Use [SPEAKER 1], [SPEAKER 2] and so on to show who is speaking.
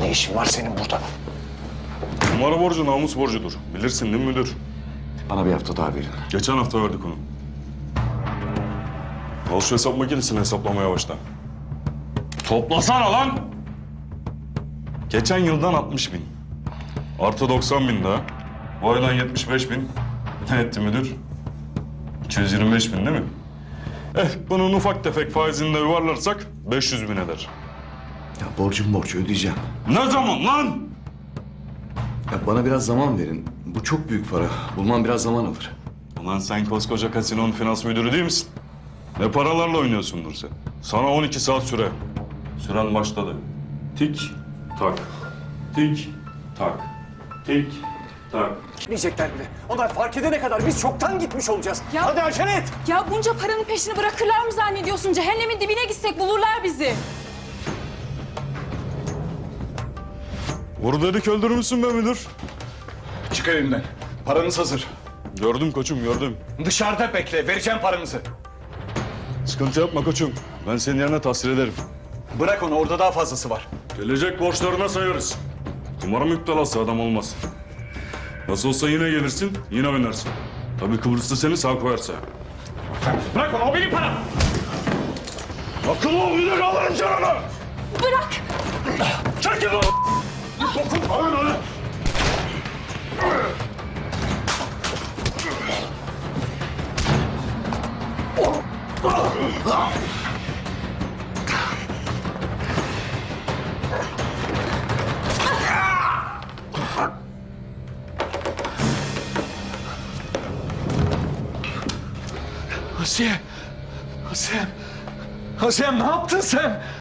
[SPEAKER 1] Ne işin var senin burada?
[SPEAKER 2] Numara borcu namus borcudur. Bilirsin değil mi müdür?
[SPEAKER 1] Bana bir hafta daha verin.
[SPEAKER 2] Geçen hafta verdik onu. Al şu hesap makinesini hesaplamaya başla. Toplasana lan! Geçen yıldan 60 bin. Artı 90 bin daha. Bu aydan 75 bin. Ne etti müdür? 225 bin değil mi? Bunun ufak tefek faizini de yuvarlarsak 500 bin eder.
[SPEAKER 1] Ya borcum borç ödeyeceğim.
[SPEAKER 2] Ne zaman lan?
[SPEAKER 1] Ya bana biraz zaman verin. Bu çok büyük para. Bulmam biraz zaman alır.
[SPEAKER 2] Ulan sen koskoca kasinonun finans müdürü değil misin? Ne paralarla oynuyorsundur sen? Sana 12 saat süre. Süren başladı. Tik tak. Tik tak. Tik tak.
[SPEAKER 3] Gitmeyecekler bile. Onlar fark edene kadar biz çoktan gitmiş olacağız.
[SPEAKER 4] Ya-
[SPEAKER 3] Hadi acele et.
[SPEAKER 4] Ya bunca paranın peşini bırakırlar mı zannediyorsun? Cehennemin dibine gitsek bulurlar bizi.
[SPEAKER 2] Vur dedik öldürmüşsün be müdür.
[SPEAKER 3] Çık evimden. Paranız hazır.
[SPEAKER 2] Gördüm koçum gördüm.
[SPEAKER 3] Dışarıda bekle. Vereceğim paranızı.
[SPEAKER 2] Sıkıntı yapma koçum. Ben senin yerine tahsil ederim.
[SPEAKER 3] Bırak onu. Orada daha fazlası var.
[SPEAKER 2] Gelecek borçlarına sayarız. Kumara müptelası adam olmaz. Nasıl olsa yine gelirsin, yine oynarsın. Tabii Kıbrıs'ta seni sağ koyarsa.
[SPEAKER 3] Bırak onu. O benim param.
[SPEAKER 2] Akıllı ol müdür, alırım canını!
[SPEAKER 4] Bırak!
[SPEAKER 2] Çekil lan! Dokunma lan ona!
[SPEAKER 3] Asiye. Asiye. Asiye ne yaptın sen?